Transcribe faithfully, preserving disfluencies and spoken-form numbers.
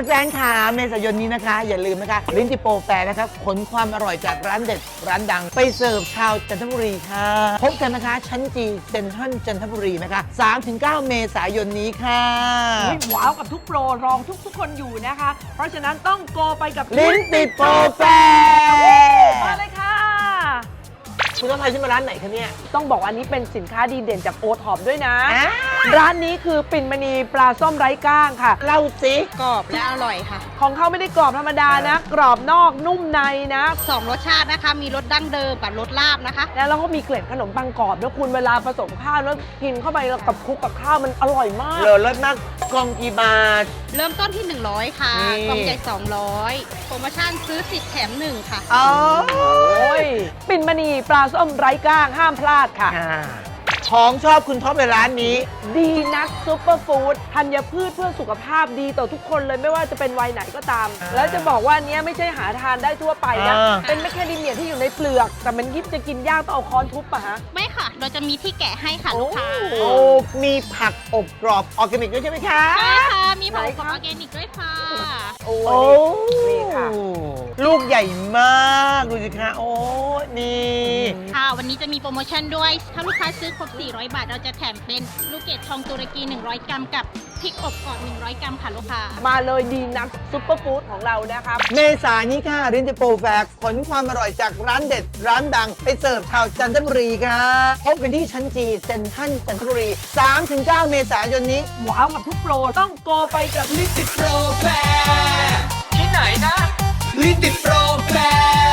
ฟนๆค่ะเมษายนนี้นะคะอย่าลืมนะคะลิ้นจิโปรแฟร์นะคะขนความอร่อยจากร้านเด็ดร้านดังไปเสิร์ฟชาวจันทบุรีค่ะพบกันนะคะชั้นจีเซ็นทรัลจันทบุรีนะคะ สามถึงเก้า เมษายนนี้ค่ะว้าวกับทุกโปรรองทุกทุกคนอยู่นะคะเพราะฉะนั้นต้องโกไปกับลิ้นติดโปรแฟร์มาเลยค่ะคุณต้องพาฉันมาร้านไหนคะเนี่ยต้องบอกอันนี้เป็นสินค้าดีเด่นจากโอท็อปด้วยนะร้านนี้คือปิ่นมณีปลาส้มไร้ก้างค่ะเล่าสิกรอบและอร่อยค่ะของเขาไม่ได้กรอบธรรมดานะกรอบนอกนุ่มในนะสองรสชาตินะคะมีรสดั้งเดิมกับรสลาบนะคะแล้วเราก็มีเกล็ดขนมปังกรอบแล้วคุณเวลาผสมข้าวแล้วกินเข้าไปกับคลุกกับข้าวมันอร่อยมากเลอรสมากกล่องกี่บาทเริ่มต้นที่หนึ่งร้อยค่ะกล่องใหญ่สองร้อยโปรโมชั่นซื้อสิบแถมหนึ่งค่ะอ๋อปิ่นมณีปลาส้มไร้ก้างห้ามพลาดค่ะของชอบคุณท็อปในร้านนี้ดีนัทซุปเปอร์ฟู้ดธัญพืชเพื่อสุขภาพดีต่อทุกคนเลยไม่ว่าจะเป็นวัยไหนก็ตามแล้วจะบอกว่านี้ไม่ใช่หาทานได้ทั่วไปนะเป็นแมคแคเดเมียที่อยู่ในเปลือกแต่มันยิบจะกินยากต้องเอาค้อนทุบป่ะฮะไม่ค่ะเราจะมีที่แกะให้ค่ะลูกค้าโอ้มีผักอบกรอบออร์แกนิกด้วยใช่ไหมคะใช่ค่ะมีผักอบกรอบออร์แกนิกด้วยค่ะโอ้นี่ค่ะลูกใหญ่มากดูสิคะโอ้นี่ค่ะวันนี้จะมีโปรโมชั่นด้วยถ้าลูกค้าซื้อครบสี่ร้อยบาทเราจะแถมเป็นลูกเกดทองตุรกีหนึ่งร้อยกรัมกับพริกอบกรอบหนึ่งร้อยกรัมค่ะลูกค้ามาเลยดีนัทซุปเปอร์ฟู้ดของเรานะครับเมษายนนี้ค่ะรินจิโปรแฟร์ขนความอร่อยจากร้านเด็ดร้านดังไปเสิร์ฟชาวจันทบุรีค่ะพบกันที่ชั้นจีเซ็นทรัลจันทบุรี สามถึงเก้า เมษายนนี้ว้าวกับทุกโปรต้องโกไปกับลิ้นติดโปรแฟร์ที่ไหนนะลิ้นติดโปรแฟร์